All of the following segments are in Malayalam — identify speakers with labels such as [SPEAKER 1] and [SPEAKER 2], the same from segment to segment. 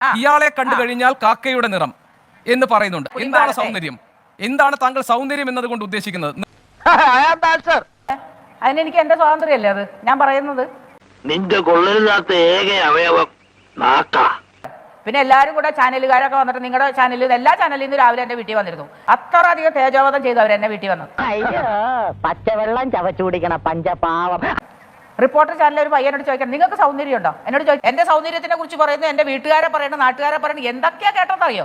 [SPEAKER 1] ഇയാളെ കണ്ടു കഴിഞ്ഞാൽ കാക്കയുടെ നിറം എന്ന് പറയുന്നുണ്ട്. എന്താണ് സൗന്ദര്യം? എന്താണ് താങ്കൾ സൗന്ദര്യം എന്നതുകൊണ്ട് ഉദ്ദേശിക്കുന്നത്?
[SPEAKER 2] അതിനെനിക്ക് എന്റെ സ്വാതന്ത്ര്യമല്ലേ അത് ഞാൻ പറയുന്നത്.
[SPEAKER 3] നിന്റെ കൊള്ളരുതാത്ത ഏക അവയവം നാക്കാ.
[SPEAKER 2] പിന്നെ എല്ലാവരും കൂടെ ചാനലുകാരൊക്കെ വന്നിട്ട് നിങ്ങളുടെ ചാനലിൽ എല്ലാ ചാനലിൽ നിന്ന് രാവിലെ എന്റെ വീട്ടിൽ വന്നിരുന്നു. അത്ര അധികം തേജോവധം ചെയ്തു അവർ എന്നെ വീട്ടിൽ വന്നത്.
[SPEAKER 4] പച്ചവെള്ളം ചവച്ചു കുടിക്കണ പഞ്ചപാവം.
[SPEAKER 2] റിപ്പോർട്ടർ ചാനലിൽ ഒരു പയ്യനോട് ചോദിക്കണം നിങ്ങൾക്ക് സൗന്ദര്യം ഉണ്ടോ? എന്നോട് ചോദിക്കും. എന്റെ സൗന്ദര്യത്തിനെ കുറിച്ച് പറയുന്നു, എന്റെ വീട്ടുകാരെ പറയണം, നാട്ടുകാരെ പറയണം, എന്തൊക്കെയാ കേട്ടതറിയോ?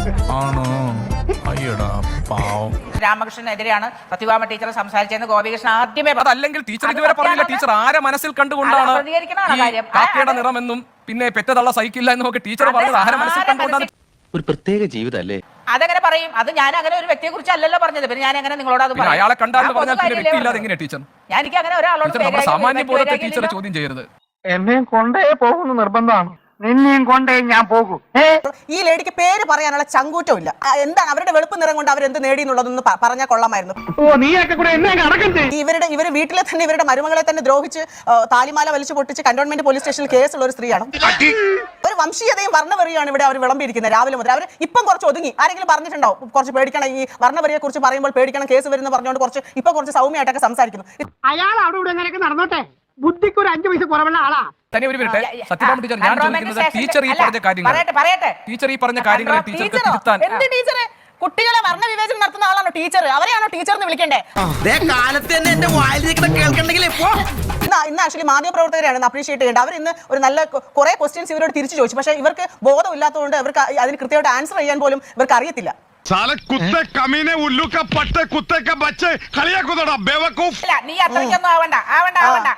[SPEAKER 2] രാമകൃഷ്ണനെതിരെയാണ് സത്യഭാമ ടീച്ചർ സംസാരിച്ചെന്ന് ഗോപികൃഷ്ണൻ ആദ്യമേ.
[SPEAKER 1] അതല്ലെങ്കിൽ ടീച്ചർ ഇതുവരെ പറഞ്ഞില്ല. ടീച്ചർ ആരെ മനസ്സിൽ കണ്ടുകൊണ്ടാണ് കാക്കയുടെ നിറമെന്നും പിന്നെ പെറ്റതള്ള സഹിക്കില്ല എന്നും ഒക്കെ ടീച്ചർ പറഞ്ഞത് ആരെ മനസ്സിൽ കണ്ടുകൊണ്ടാണ്?
[SPEAKER 5] ഒരു പ്രത്യേക ജീവിതമല്ലേ
[SPEAKER 2] അതെങ്ങനെ പറയും? അത് ഞാൻ അങ്ങനെ ഒരു വ്യക്തിയെ കുറിച്ച് അല്ലല്ലോ പറഞ്ഞത്. പിന്നെ ഞാൻ എങ്ങനെ നിങ്ങളോട് അത് പറയും?
[SPEAKER 1] അയാളെ കണ്ടാൽ പറഞ്ഞാൽ പിന്നെ വ്യക്തിയില്ലാതെ എങ്ങനെ ടീച്ചർ?
[SPEAKER 2] ഞാൻ എനിക്ക് അങ്ങനെ ഒരാളോട്
[SPEAKER 1] സാമാന്യ ബോധത്തെ ടീച്ചർ ചോദ്യം ചെയ്യരുത്.
[SPEAKER 6] എന്നെയും കൊണ്ടേ പോകുന്ന നിർബന്ധമാണ്. നിന്നെയും കൊണ്ടേ ഞാൻ പോകും.
[SPEAKER 7] ഈ ലേഡിക്ക് പേര് പറയാനുള്ള ചങ്കൂറ്റമില്ല. എന്താണ് അവരുടെ വെളുപ്പ് നിറം കൊണ്ട് അവരെന്ത് നേടി എന്നുള്ളതൊന്ന് പറഞ്ഞാൽ കൊള്ളാമായിരുന്നു. ഇവര് വീട്ടിലെ തന്നെ ഇവരുടെ മരുമകളെ തന്നെ ദ്രോഹിച്ച് താലിമാല വലിച്ചു പൊട്ടിച്ച് കന്റോൺമെന്റ് പോലീസ് സ്റ്റേഷനിൽ കേസുള്ള ഒരു സ്ത്രീയാണ്. ഒരു വംശീയതയും വർണ്ണവെറിയാണ് ഇവിടെ അവർ വിളമ്പിയിരിക്കുന്നത് രാവിലെ മുതൽ. അവർ ഇപ്പം കുറച്ച് ഒതുങ്ങി. ആരെങ്കിലും പറഞ്ഞിട്ടുണ്ടാവും കുറച്ച് പേടിക്കണം, ഈ വർണ്ണവെറിയെ കുറിച്ച് പറയുമ്പോൾ പേടിക്കണം, കേസ് വരുന്ന പറഞ്ഞുകൊണ്ട് കുറച്ച് സൗമ്യമായിട്ടൊക്കെ സംസാരിക്കുന്നു.
[SPEAKER 6] അയാൾ അവിടെ ഇവിടെ എങ്ങനെയൊക്കെ നടന്നോട്ടെ, ബുദ്ധിക്ക് ഒരു 5 പൈസ കുറവുള്ള ആളാ.
[SPEAKER 1] സത്യഭാമ ടീച്ചർ, ഞാൻ ചോദിക്കുന്നത് ടീച്ചർ ഈ പറഞ്ഞ കാര്യങ്ങൾ ടീച്ചർക്ക് തിരുത്താൻ.
[SPEAKER 7] കുട്ടികളെ വർണ്ണവിവേചനം നടത്തുന്ന ആളാണോ ടീച്ചർ? അവരെയാണോ ടീച്ചർ എന്ന് വിളിക്കണ്ടേ? ഇന്ന് ആക്ച്വലി മാധ്യമപ്രവർത്തകരെയാണ് അപ്രീഷിയേറ്റ് ചെയ്യേണ്ടത്. അവർ ഇന്ന് ഒരു നല്ല കുറെ ക്വസ്റ്റ്യൻസ് ഇവരോട് തിരിച്ചു ചോദിച്ചു. പക്ഷേ ഇവർക്ക് ബോധമില്ലാത്തതുകൊണ്ട് ഇവർക്ക് അതിന് കൃത്യമായിട്ട് ആൻസർ ചെയ്യാൻ പോലും ഇവർക്ക് അറിയത്തില്ല.
[SPEAKER 2] നീ അത്രയ്ക്കൊന്നും ആവണ്ട.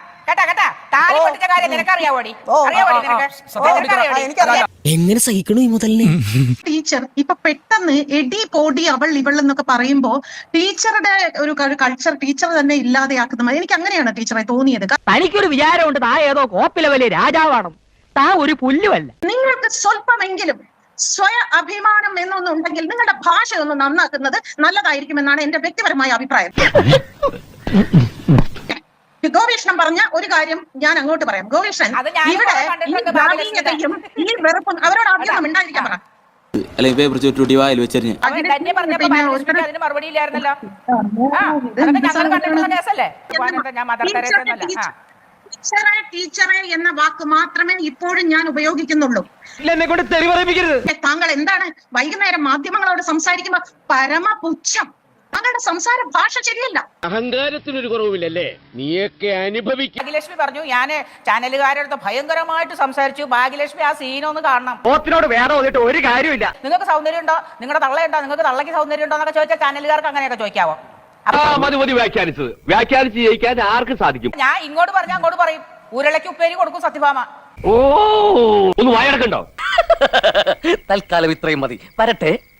[SPEAKER 4] എങ്ങനെ സഹിക്കണു ഈ മുതലിനെ?
[SPEAKER 8] ടീച്ചർ ഇപ്പൊ പെട്ടെന്ന് എടി പോടി അവൾ ഇവൾ എന്നൊക്കെ പറയുമ്പോ ടീച്ചറുടെ ഒരു കൾച്ചർ ടീച്ചർ തന്നെ ഇല്ലാതെയാക്കുന്ന എനിക്ക് അങ്ങനെയാണ് ടീച്ചറെ തോന്നിയത്.
[SPEAKER 4] തനിക്കൊരു വിചാരമുണ്ട് താ ഏതോ കോപ്പിലെ വലിയ രാജാവാണ്, താ ഒരു പുല്ലുമല്ല.
[SPEAKER 8] നിങ്ങൾക്ക് സ്വല്പമെങ്കിലും സ്വയ അഭിമാനം എന്നൊന്നുണ്ടെങ്കിൽ നിങ്ങളുടെ ഭാഷ ഒന്ന് നന്നാക്കുന്നത് നല്ലതായിരിക്കുമെന്നാണ് എന്റെ വ്യക്തിപരമായ അഭിപ്രായം. ഗോപീഷ്ണൻ പറഞ്ഞ ഒരു കാര്യം ഞാൻ അങ്ങോട്ട് പറയാം. ഗോപീഷ്ണൻ ഇവിടെ ഈ ഈ വെറുപ്പും അവരോട് ആദ്യം ഉണ്ടായിരിക്കാൻ പറ. ടീച്ചറെ എന്ന വാക്ക് മാത്രമേ ഇപ്പോഴും ഞാൻ ഉപയോഗിക്കുന്നുള്ളൂ. താങ്കൾ എന്താണ് വൈകുന്നേരം മാധ്യമങ്ങളോട് സംസാരിക്കുമ്പോ പരമപുച്ഛം. താങ്കളുടെ സംസാര ഭാഷ ശരിയല്ല.
[SPEAKER 3] അഹങ്കാരത്തിനൊരു കുറവില്ലല്ലേ? നീയൊക്കെ അനുഭവിക്കും.
[SPEAKER 2] ഭാഗ്യലക്ഷ്മി പറഞ്ഞു ഞാൻ ചാനലുകാരുടെ ഭയങ്കരമായിട്ട് സംസാരിച്ചു. ഭാഗ്യലക്ഷ്മി ആ സീനൊന്ന് കാണണം.
[SPEAKER 6] വേറെ ഒരു കാര്യമില്ല.
[SPEAKER 2] നിങ്ങൾക്ക് സൗന്ദര്യം ഉണ്ടോ? നിങ്ങളുടെ തള്ളയുണ്ടോ? നിങ്ങൾക്ക് തള്ളക്ക് സൗന്ദര്യം ഉണ്ടോ എന്നൊക്കെ ചോദിച്ചാൽ ചാനലുകാർക്ക് അങ്ങനെയൊക്കെ ചോദിക്കാവോ?
[SPEAKER 3] വ്യാഖ്യാനിച്ച് ജയിക്കാൻ ആർക്ക് സാധിക്കും?
[SPEAKER 2] ഞാൻ ഇങ്ങോട്ട് പറഞ്ഞാൽ അങ്ങോട്ട് പറയും. ഉരുളയ്ക്ക് ഉപ്പേരി കൊടുക്കും സത്യഭാമ.
[SPEAKER 3] ഒന്ന് വായടക്കണ്ടോ?
[SPEAKER 5] തൽക്കാലം ഇത്രയും മതി. വരട്ടെ.